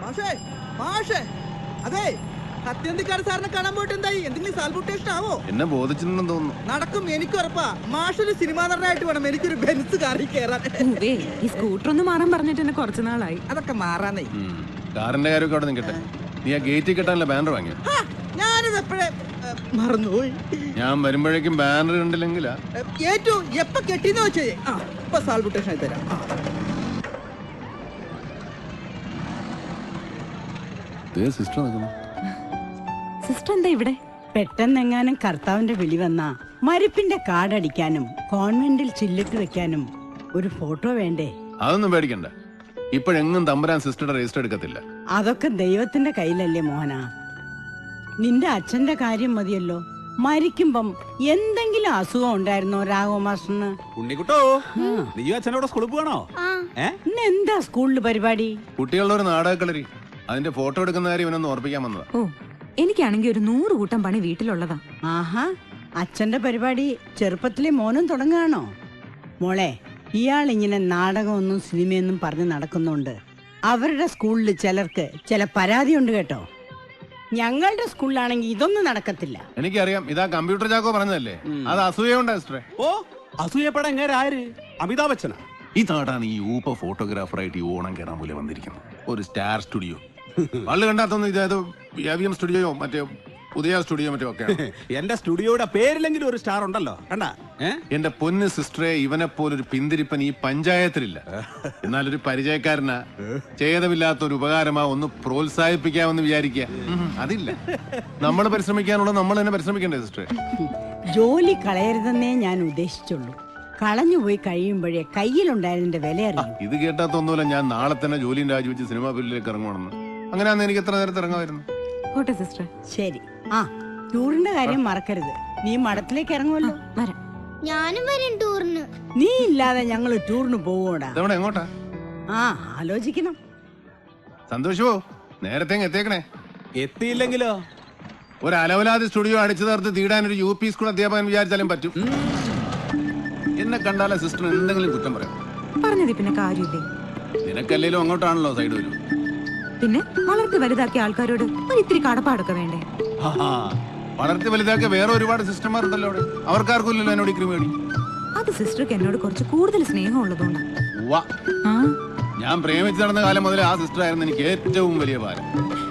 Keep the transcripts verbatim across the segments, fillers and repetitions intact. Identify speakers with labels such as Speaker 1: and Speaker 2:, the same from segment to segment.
Speaker 1: മാഷേ മാഷേ അതെ സത്യന്തിക്കാട് സാറിനെ കാണാൻ പോയിട്ട് എന്തായി? എന്തെങ്കിലും സാൽബുട്ടേഷൻ ആവോ?
Speaker 2: എന്നെ ബോധിച്ചിട്ടുണ്ടെന്ന് തോന്നുന്നു.
Speaker 1: നടക്കും, എനിക്ക് ഉറപ്പാ. മാഷൊരു സിനിമാ നടനായിട്ട് വേണം എനിക്കൊരു ബെൻസ് കാറിൽ കയറാൻ.
Speaker 3: ഈ സ്കൂട്ടർ ഒന്ന് മാറാൻ പറഞ്ഞിട്ട് എന്നെ കുറച്ചു നാളായി.
Speaker 1: അതൊക്കെ മാറാനേ.
Speaker 2: കാറിന്റെ കാര്യമൊക്കെ അവിടെ നിൽക്കട്ടെ. നീ ആ ഗേറ്റിൽ കെട്ടാനുള്ള ബാനർ വാങ്ങിയോ?
Speaker 1: ഞാനിത് എപ്പോഴേ മറന്നുപോയി.
Speaker 2: ഞാൻ വരുമ്പോഴേക്കും ബാനർ കണ്ടില്ലെങ്കിലാ.
Speaker 1: ഏറ്റവും എപ്പ കെട്ടിന്ന് വെച്ചേ ഇപ്പൊ സാൽബുട്ടേഷൻ ആയി തരാം.
Speaker 2: സിസ്റ്റർ നിൽക്കുന്നു.
Speaker 3: സിസ്റ്റർ എന്താ ഇവിടെ?
Speaker 4: പെട്ടെന്നെങ്ങാനും കർത്താവിന്റെ വിളി വന്നാ മരിപ്പിന്റെ കാർഡടിക്കാനും കോൺവെന്റിൽ ചില്ലിട്ട് വെക്കാനും ഒരു ഫോട്ടോ വേണ്ടേ?
Speaker 2: അതൊന്നും പേടിക്കണ്ട. ഇപ്പോഴെങ്ങും തമ്പുരാൻ സിസ്റ്ററുടെ രജിസ്റ്റർ എടുക്കത്തില്ല.
Speaker 4: അതൊക്കെ ദൈവത്തിന്റെ കയ്യിലല്ലേ മോഹന. നിന്റെ അച്ഛന്റെ കാര്യം മതിയല്ലോ. മരിക്കുമ്പം എന്തെങ്കിലും അസുഖം ഉണ്ടായിരുന്നോ രാഘവ മാസ്റ്ററിന്?
Speaker 5: ഉണ്ണിക്കുട്ടോ, നീ അച്ഛനോട് സ്കൂളിൽ പോകണോ?
Speaker 4: ഇന്ന് എന്താ സ്കൂളിൽ പരിപാടി?
Speaker 2: കുട്ടികളുടെ ഒരു നാടകക്കളരി. അതിന്റെ ഫോട്ടോ എടുക്കുന്ന കാര്യം ഇവനൊന്ന് ഓർപ്പിക്കാൻ വന്നതാ.
Speaker 3: ഓ, എനിക്കാണെങ്കിൽ ഒരു നൂറ് കൂട്ടം പണി വീട്ടിലുള്ളതാ.
Speaker 4: ആഹാ, അച്ഛന്റെ പരിപാടി ചെറുപ്പത്തിലെ മോനും തുടങ്ങുകയാണോ? മോളെ, ഇയാൾ ഇങ്ങനെ നാടകമൊന്നും സിനിമയൊന്നും പറഞ്ഞ് നടക്കുന്നുണ്ട്. അവരുടെ സ്കൂളിൽ ചിലർക്ക് ചില പരാതിയുണ്ട് കേട്ടോ. ഞങ്ങളുടെ സ്കൂളിലാണെങ്കിൽ ഇതൊന്നും നടക്കത്തില്ല.
Speaker 2: എനിക്കറിയാം, ഇതാ കമ്പ്യൂട്ടർ ചാക്കോ പറഞ്ഞതല്ലേ. അത് അസൂയുണ്ടോ സിസ്റ്ററെ?
Speaker 5: ഓ, അസൂയപ്പെടാൻ എങ്ങനെ ആര്? അമിതാഭ് ബച്ചനാ?
Speaker 2: ഈ നാടാണ് ഈ ഊപ്പ ഫോട്ടോഗ്രാഫറായിട്ട് ഈ ഓണം കയറാൻ പോലെ വന്നിരിക്കുന്നത്. ഒരു സ്റ്റാർ സ്റ്റുഡിയോ വള്ളു കണ്ടാത്തൊന്നും ഇതേത് സ്റ്റുഡിയോയോ മറ്റേ ഉദയ സ്റ്റുഡിയോ മറ്റോ ഒക്കെ.
Speaker 5: എന്റെ സ്റ്റുഡിയോയുടെ പേരിലെങ്കിലും ഒരു സ്റ്റാർ ഉണ്ടല്ലോ. കണ്ടാ
Speaker 2: എന്റെ പൊന്ന് സിസ്റ്ററെ, ഇവനെ പോലൊരു പിന്തിരിപ്പൻ ഈ പഞ്ചായത്തിലില്ല. എന്നാലൊരു പരിചയക്കാരനാ, ചെയ്തമില്ലാത്ത ഒരു ഉപകാരമാ, ഒന്ന് പ്രോത്സാഹിപ്പിക്കാമെന്ന് വിചാരിക്കുക. അതില്ല, നമ്മൾ പരിശ്രമിക്കാനുള്ള നമ്മൾ തന്നെ പരിശ്രമിക്കണ്ടേ സിസ്റ്ററെ?
Speaker 4: ജോലി കളയരുതെന്നേ ഞാൻ ഉദ്ദേശിച്ചുള്ളൂ. കളഞ്ഞുപോയി കഴിയുമ്പോഴേ കയ്യിലുണ്ടായതിന്റെ വില അറിയാം.
Speaker 2: ഇത് കേട്ടാത്തൊന്നുമില്ല, ഞാൻ നാളെ തന്നെ ജോലിയും രാജിവെച്ച് സിനിമാ ഫീൽഡിലേക്ക് ഇറങ്ങുവാണെന്ന്. അങ്ങനെയാന്ന് എനിക്ക് എത്ര നേരത്തെ ഇറങ്ങാമായിരുന്നു.
Speaker 3: സിസ്റ്റർ
Speaker 4: ശരി. ആ, ടൂറിന്റെ കാര്യം മറക്കരുത്. നീ മഠത്തിലേക്ക് ഇറങ്ങുമല്ലോ.
Speaker 3: വരാം.
Speaker 6: ഞാനും വരും ടൂറിന്.
Speaker 4: നീ ഇല്ലാതെ ഞങ്ങള് ടൂറിന് പോവൂടാ.
Speaker 2: എങ്ങോട്ടാ?
Speaker 4: ആ, ആലോചിക്കണം.
Speaker 2: സന്തോഷമോ, നേരത്തെ എത്തിയേക്കണേ.
Speaker 5: എത്തിയില്ലെങ്കിലോ?
Speaker 2: ഒരു അലവലാതി സ്റ്റുഡിയോ അടിച്ചു തീർത്ത് തീടാൻ ഒരു യു പി സ്കൂൾ അധ്യാപകൻ വിചാരിച്ചാലും പറ്റും. എന്നെ കണ്ടാലേ സിസ്റ്റർ എന്തെങ്കിലും കുറ്റം പറയാം.
Speaker 3: പറഞ്ഞത് പിന്നെ കാര്യമില്ലേ?
Speaker 2: നിനക്കല്ലേലും അങ്ങോട്ടാണല്ലോ സൈഡ് വരും.
Speaker 3: പിന്നെ വളർത്തി വലുതാക്കിയ ആൾക്കാരോട് ഒരു ഇത്തിരി കടപ്പാടൊക്കെ വേണ്ടേ?
Speaker 2: വളർത്തി വലുതാക്കിയ വേറെ ഒരുപാട് സിസ്റ്റർമാരുണ്ടല്ലോ അവിടെ. അവർക്കാർക്കും ഇല്ലല്ലോ എന്നോട് ക്രിമേടി.
Speaker 3: അത് സിസ്റ്റർക്ക് എന്നോട് കുറച്ച് കൂടുതൽ സ്നേഹം ഉള്ളതുകൊണ്ടാ.
Speaker 2: ഞാൻ പ്രേമിച്ച് നടന്ന കാലം മുതലേ ആ സിസ്റ്റർ ആയിരുന്നു എനിക്ക് ഏറ്റവും വലിയ ഭാരം.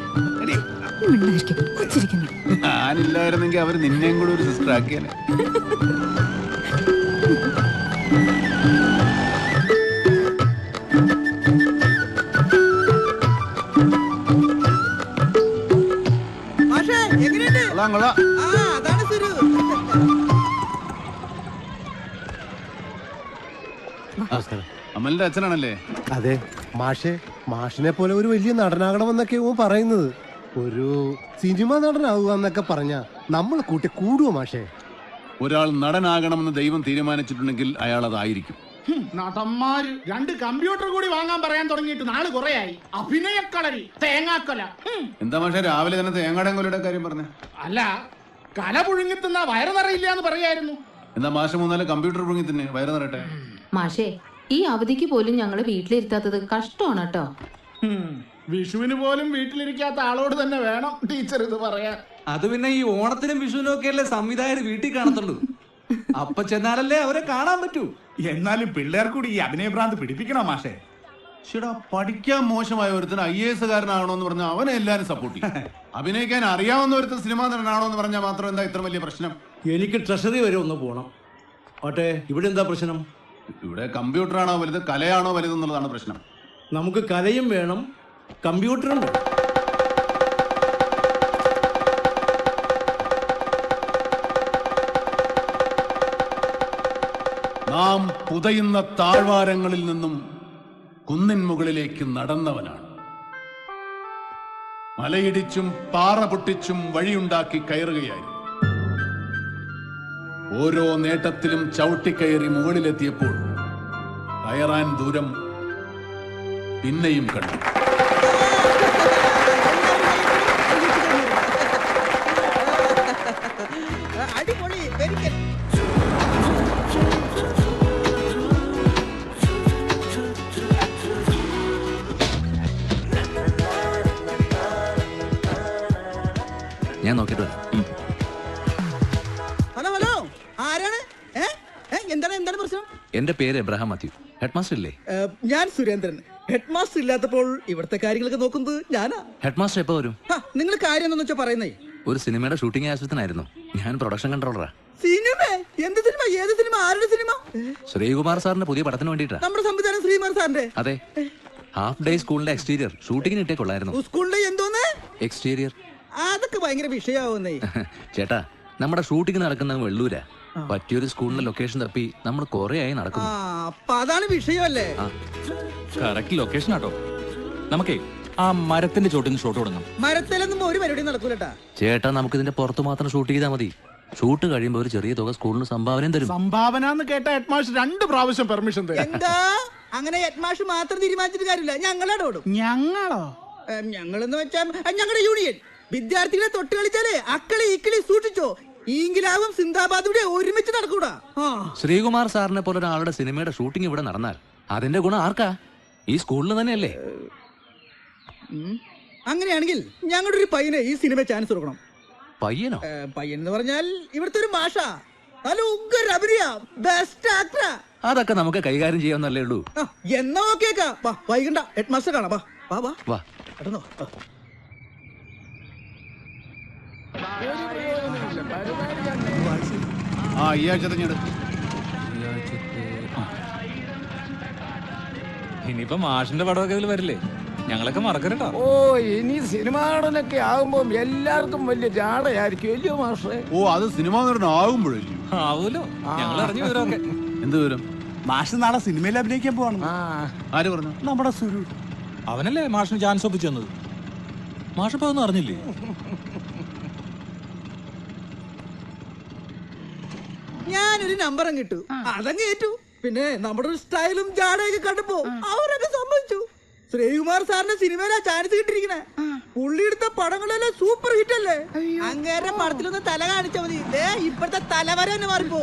Speaker 2: ഞാനില്ലായിരുന്നെങ്കിൽ അവര് നിന്നെയും കൂടെ ഒരു സിസ്റ്റർ ആക്കിയാലേ. അമലിന്റെ അച്ഛനാണല്ലേ?
Speaker 7: അതെ മാഷെ, മാഷിനെ പോലെ ഒരു വലിയ നടനാകണമെന്നൊക്കെ പറയുന്നത്. ഒരു സിനിമ നടനാവുക എന്നൊക്കെ പറഞ്ഞ നമ്മൾ കൂട്ടി കൂടുവോ മാഷെ?
Speaker 2: ഒരാൾ നടനാകണമെന്ന് ദൈവം തീരുമാനിച്ചിട്ടുണ്ടെങ്കിൽ അയാൾ അതായിരിക്കും.
Speaker 8: നടന്മാര് രണ്ട് കമ്പ്യൂട്ടർ കൂടി വാങ്ങാൻ പറയാൻ തുടങ്ങിയിട്ട് നാള് കുറയായി. അഭിനയക്കളരി, തേങ്ങാക്കൊല.
Speaker 2: എന്താ മാഷെ രാവിലെ തന്നെ തേങ്ങാടൻകൊലയുടെ കാര്യം പറഞ്ഞേ?
Speaker 8: അല്ല, കല പുഴുങ്ങിത്തുന്ന വയറ് നിറയില്ല എന്ന് പറയായിരുന്നു.
Speaker 2: എന്താ മാഷെ മൂന്നാല് കമ്പ്യൂട്ടർ പുഴുങ്ങി തന്നെ വയറ് നിറയട്ടെ?
Speaker 9: മാഷേ, ഈ അവധിക്ക് പോലും ഞങ്ങള് വീട്ടിലിരുത്താത്തത് കഷ്ടമാണ് കേട്ടോ.
Speaker 8: വിഷുവിന് പോലും വീട്ടിലിരിക്കാത്ത ആളോട് തന്നെ വേണം ടീച്ചർ ഇത് പറയാൻ.
Speaker 10: അത് പിന്നെ ഈ ഓണത്തിനും വിഷുവിനും ഒക്കെ അല്ലേ സംവിധായകർ വീട്ടിൽ കാണത്തുള്ളൂ. അപ്പൊ ചെന്നാലല്ലേ അവരെ കാണാൻ പറ്റൂ.
Speaker 8: എന്നാലും പിള്ളേർ കൂടി ഈ അഭിനയഭ്രാന്ത് പിടിപ്പിക്കണോ മാഷേ?
Speaker 2: ചേട്ടാ, പഠിക്കാൻ മോശമായ ഒരുത്തിന് ഐ എ എസ് കാരനാണോന്ന് പറഞ്ഞാൽ അവനെ എല്ലാരും സപ്പോർട്ട് ചെയ്യും. അഭിനയിക്കാൻ അറിയാവുന്ന ഒരുത്തൻ സിനിമാ നടനാണോ എന്ന് പറഞ്ഞാൽ മാത്രം എന്താ ഇത്ര വലിയ പ്രശ്നം?
Speaker 10: എനിക്ക് ട്രഷറി വരെ ഒന്ന് പോണം. ഓട്ടെ, ഇവിടെ എന്താ പ്രശ്നം?
Speaker 2: ഇവിടെ കമ്പ്യൂട്ടറാണോ വലുത് കലയാണോ വലുതെന്നുള്ളതാണ് പ്രശ്നം.
Speaker 10: നമുക്ക് കലയും വേണം, കമ്പ്യൂട്ടറും വേണം.
Speaker 2: നാം പുതയുന്ന താഴ്വാരങ്ങളിൽ നിന്നും കുന്നിൻ മുകളിലേക്ക് നടന്നവനാണ്. മലയിടിച്ചും പാറ പൊട്ടിച്ചും വഴിയുണ്ടാക്കി കയറുകയായി. ഓരോ നേട്ടത്തിലും ചവിട്ടിക്കയറി മുകളിലെത്തിയപ്പോൾ കയറാൻ ദൂരം പിന്നെയും കണ്ടു.
Speaker 1: അടിപൊളി, വെരി ഗുഡ്.
Speaker 10: ഞാൻ നോക്കിട്ട് വരാം.
Speaker 1: ഹലോ ഹലോ ആരാണ്? ഏ? ഏ, എന്താണ് എന്താണ് പ്രശ്നം?
Speaker 10: എന്റെ പേര് എബ്രഹാം മാത്യു. ഹെഡ് മാസ്റ്റർ ഇല്ലേ?
Speaker 1: ഏ, ഞാൻ സുരേന്ദ്രൻ. ഹെഡ് മാസ്റ്റർ ഇല്ലാത്തപ്പോൾ ഇവിടുത്തെ കാര്യങ്ങളൊക്കെ നോക്കുന്നത് ഞാനാ.
Speaker 10: ഹെഡ് മാസ്റ്റർ എപ്പോ വരും?
Speaker 1: നിങ്ങൾ കാര്യം എന്താണെന്ന് വെച്ചാ പറയുന്നേ?
Speaker 10: ഒരു സിനിമയുടെ ഷൂട്ടിംഗ് ആവശ്യത്തിനായിരുന്നു. ഞാൻ പ്രൊഡക്ഷൻ കൺട്രോളറാ.
Speaker 1: സിനിമ? എന്ത് സിനിമ? ഏത് സിനിമ? ആരുടെ സിനിമ?
Speaker 10: ശ്രീകുമാർ സാറിന്റെ പുതിയ പടത്തിന് വേണ്ടിട്ടാ.
Speaker 1: നമ്മുടെ സംവിധാനം ശ്രീകുമാർ സാറിന്റെ?
Speaker 10: അതെ. ഹാഫ് ഡേ സ്കൂളിന്റെ എക്സ്റ്റീരിയർ ഷൂട്ടിങ്ങിന് ഇട്ടേ കൊള്ളായിരുന്നു.
Speaker 1: സ്കൂളിലെ എന്തോന്ന്
Speaker 10: എക്സ്റ്റീരിയർ?
Speaker 1: അതൊക്കെ ഭയങ്കര വിഷയാവുന്നേ.
Speaker 10: ചേട്ടാ, നമ്മുടെ ഷൂട്ടിംഗ് നടക്കുന്ന വെള്ളൂരാ. പറ്റിയൊരു സ്കൂളിന്റെ ലൊക്കേഷൻ തപ്പി നമ്മൾ കൊറേ ആയി നടക്കുന്നു.
Speaker 1: അപ്പൊ അതാണ് വിഷയമല്ലേ?
Speaker 11: കറക്റ്റ് ലൊക്കേഷൻ ആട്ടോ. നമുക്കേ ആ മരത്തിന്റെ ചോട്ടിന് ഷോട്ട് കൊടുക്കണം.
Speaker 1: മരത്തിലൊന്നും ഒരു പരിപാടി നടക്കൂലട്ടാ.
Speaker 10: ചേട്ടാ, നമുക്ക് ഇതിന്റെ പുറത്ത് മാത്രം ഷൂട്ട് ചെയ്താൽ മതി. ഷൂട്ട് കഴിയുമ്പോൾ ഒരു ചെറിയ തുക സ്കൂളിന് സംഭാവനയും തരും.
Speaker 8: സംഭാവന എന്ന് കേട്ട ഹെഡ്മാസ്റ്റർ രണ്ട് പ്രാവശ്യം പെർമിഷൻ തരും.
Speaker 1: എന്താ അങ്ങനെ ഹെഡ്മാസ്റ്റർ മാത്രം തീരുമാനിച്ചിട്ട് കാര്യമില്ല, ഞങ്ങളോട് ഓടും.
Speaker 8: ഞങ്ങളോ?
Speaker 1: ഞങ്ങളെന്ന് വെച്ചാൽ ഞങ്ങളുടെ യൂണിയൻ. വിദ്യാർത്ഥികളെ തൊട്ട് കളിച്ചാലേ അക്കളി ഇക്കളി സൂക്ഷിച്ചോ. ഈങ്കിലാവും സിന്ദാബാദ് ഇവിടെ ഒരുമിച്ച് നടക്കൂടാ.
Speaker 10: ശ്രീകുമാർ സാറിനെ പോലെ ഒരാളുടെ സിനിമയുടെ ഷൂട്ടിംഗ് ഇവിടെ നടന്നാൽ അതിന്റെ ഗുണം ആർക്കാ? ഈ സ്കൂളിന് തന്നെയല്ലേ?
Speaker 1: അങ്ങനെയാണെങ്കിൽ ഞങ്ങളുടെ ഒരു പയ്യനെ ഈ സിനിമ ചാൻസ് കൊടുക്കണം.
Speaker 10: പയ്യനോ?
Speaker 1: പയ്യൻ എന്ന് പറഞ്ഞാൽ ഇവിടുത്തെ ഒരു മാഷ. നല്ല ഉഗ്ര അഭിനയ, ബെസ്റ്റ് ആക്ടറാ.
Speaker 10: അതൊക്കെ നമുക്ക് കൈകാര്യം ചെയ്യാവുന്നല്ലേ ഉള്ളൂ.
Speaker 1: എന്നാ ഓക്കേക്കാ. വൈകണ്ട, ഹെഡ് മാസ്റ്റർ കാണാം. വാ വാ വാ
Speaker 10: വാ.
Speaker 1: പെട്ടെന്നോ.
Speaker 2: ആ ഈ ആഴ്ച തെഞ്ഞെടു.
Speaker 11: ഇനിയിപ്പോ മാഷിന്റെ പടമൊക്കെ ഇതിൽ വരില്ലേ? ഞങ്ങളൊക്കെ മറക്കരുട്ടോ.
Speaker 12: ഓ, ഇനി സിനിമ നടനൊക്കെ ആകുമ്പോ എല്ലാവർക്കും വലിയ ജാടയായിരിക്കും അല്ലയോ മാഷേ?
Speaker 2: ഓ, അത് സിനിമ നടൻ ആകുമ്പോഴല്ലേ?
Speaker 11: ആവൂലോ, ഞങ്ങൾ അറിഞ്ഞു വിവരമൊക്കെ.
Speaker 2: എന്ത് വിവരം?
Speaker 5: മാഷ് നാളെ സിനിമയിൽ അഭിനയിക്കാൻ പോവാണ്.
Speaker 2: ആര് പറഞ്ഞു?
Speaker 5: നമ്മുടെ സുരു.
Speaker 11: അവനല്ലേ മാഷിന് ചാൻസ് ഒപ്പിച്ചു തന്നത്. മാഷിപ്പോ ഒന്നും അറിഞ്ഞില്ലേ?
Speaker 1: ഞാനൊരു നമ്പറും കിട്ടു, അതങ്ങ് ഏറ്റു. പിന്നെ നമ്മുടെ ഒരു സ്റ്റൈലും ജാടയൊക്കെ കണ്ടപ്പോ അവരൊക്കെ സമ്മതിച്ചു. ശ്രീകുമാർ സാറിന്റെ സിനിമയിലാ ചാൻസ് കിട്ടിയിരിക്കണേ. പുള്ളി എടുത്ത പടങ്ങളെല്ലാം സൂപ്പർ ഹിറ്റ് അല്ലേ? അങ്ങേരുടെ പടത്തിലൊന്ന് തല കാണിച്ചാ മതി, ഇപ്പോഴത്തെ തലവര തന്നെ മാറിപ്പോ.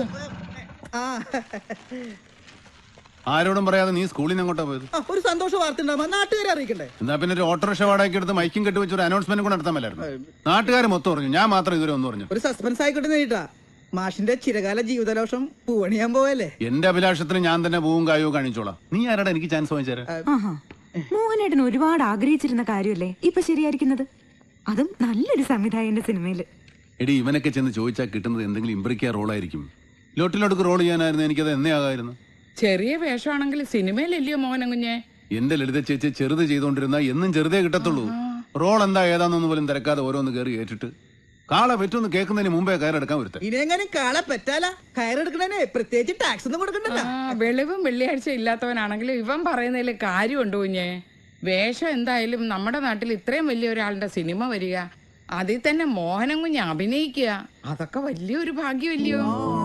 Speaker 2: ആരോടും പറയാതെ നീ സ്കൂളിൽ നിന്ന് അങ്ങോട്ടാ പോയത്?
Speaker 1: ഒരു സന്തോഷ വാർത്ത ഉണ്ടാവുമ്പോ നാട്ടുകാരെ അറിയിക്കണ്ടേ?
Speaker 2: എന്നാ പിന്നെ ഒരു ഓട്ടോറിക്ഷ വാടകയ്ക്ക് എടുത്ത് മൈക്കും കെട്ടി വെച്ച് ഒരു അനൗൺസ്മെന്റ് കൂടെ നടത്താൻ പറ്റായിരുന്നു. നാട്ടുകാർ മൊത്തം പറഞ്ഞു, ഞാൻ മാത്രം ഇതുവരെ ഒന്നും പറഞ്ഞു.
Speaker 1: ഒരു സസ്പെൻസ് ആയിക്കോട്ടെ നേരിട്ടാ. മാഷിന്റെ ചിരകാല ജീവിതലോഷം പൂവണിയാൻ പോവല്ലേ?
Speaker 2: എന്റെ അഭിലാഷത്തിന് ഞാൻ തന്നെ പൂവും കായവും കാണിച്ചോളാം. നീ ആരാടാ എനിക്ക് ചാൻസ് വാങ്ങിച്ചേരാ?
Speaker 3: മോഹനേട്ടൻ ഒരുപാട് ആഗ്രഹിച്ചിരുന്ന കാര്യമല്ലേ ഇപ്പൊ ശരിയായിരിക്കുന്നത്? അതും നല്ലൊരു സംവിധായകന്റെ സിനിമയില്.
Speaker 2: എടി, ഇവനൊക്കെ ചെന്ന് ചോദിച്ചാൽ കിട്ടുന്നത് എന്തെങ്കിലും ഇമ്പ്രിക്ക റോളായിരിക്കും. ലോട്ടിലോട്ട് റോൾ ചെയ്യാനായിരുന്നു എനിക്കത് എന്നേ ആകായിരുന്നു.
Speaker 13: ചെറിയ വേഷമാണെങ്കിൽ സിനിമയിലല്ലയോ മോഹനം കുഞ്ഞെ?
Speaker 2: എന്റെ ലളിത ചേച്ചി ചെറുത് ചെയ്തോണ്ടിരുന്ന എന്നും ചെറുതേ കിട്ടത്തുള്ളൂ. റോൾ എന്താ ഏതാന്നൊന്നും പോലും തിരക്കാതെ ഓരോന്ന് കയറി ഏറ്റിട്ട് കാള പറ്റൊന്ന് കേൾക്കുന്നതിന് മുമ്പേ കയറെടുക്കാൻ വരുത്ത.
Speaker 1: ഇനിയെങ്ങനെ കാള പറ്റാല? കയറെടുക്കണേ പ്രത്യേകിച്ച് ടാക്സ് ഒന്നും കൊടുക്കണ്ടല്ലോ.
Speaker 13: വെളിവും വെള്ളിയാഴ്ച ഇല്ലാത്തവനാണെങ്കിലും ഇവൻ പറയുന്നതിൽ കാര്യമുണ്ട് കുഞ്ഞെ. വേഷം എന്തായാലും നമ്മുടെ നാട്ടിൽ ഇത്രയും വലിയ ഒരാളുടെ സിനിമ വരിക, അതിൽ തന്നെ മോഹനം കുഞ്ഞ് അഭിനയിക്കുക, അതൊക്കെ വലിയൊരു ഭാഗ്യമല്ലയോ?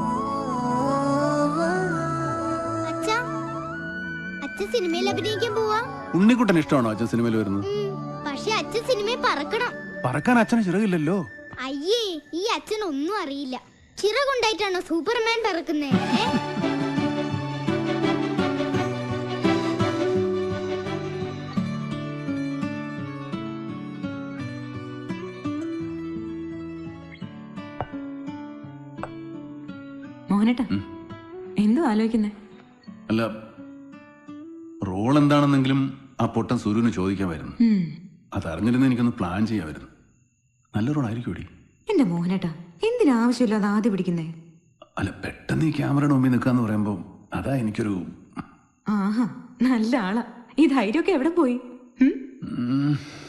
Speaker 6: അച്ഛൻ സിനിമയിൽ അഭിനയിക്കാൻ പോവാ.
Speaker 2: ഉണ്ണിക്കുട്ടൻ ഇഷ്ടമാണോ അച്ഛൻ സിനിമയിൽ വരുന്നത്?
Speaker 6: പക്ഷെ അച്ഛൻ സിനിമയിൽ പറക്കണം.
Speaker 2: പറക്കാൻ അച്ഛന് ചിറകില്ലല്ലോ.
Speaker 6: അയ്യേ, ഈ അച്ഛൻ ഒന്നും അറിയില്ല. ചിറകുണ്ടായിട്ടാണോ സൂപ്പർമാൻ പറക്കുന്നേ?
Speaker 3: മോഹനേട്ടാ, എന്തോ ആലോചിക്കുന്നേ?
Speaker 2: അല്ല, റോൾ എന്താണെന്നെങ്കിലും ആ പൊട്ടൻ സൂര്യന് ചോദിക്കാമായിരുന്നു. അതറിഞ്ഞിരുന്ന എനിക്കൊന്ന് പ്ലാൻ ചെയ്യാമായിരുന്നു. നല്ല റോളായിരിക്കും ഇവിടെ.
Speaker 3: എന്റെ മോഹനേട്ടാ, എന്തിനാവശ്യമില്ലാതെ ആദ്യം പിടിക്കുന്നേ?
Speaker 2: അല്ല, പെട്ടെന്ന് ഈ ക്യാമറയുടെ മുമ്പിൽ നിൽക്കാന്ന് പറയുമ്പോ അതാ എനിക്കൊരു.
Speaker 3: ആഹാ, നല്ല ആളാ. ഈ ധൈര്യമൊക്കെ എവിടെ പോയി?
Speaker 2: ഉം.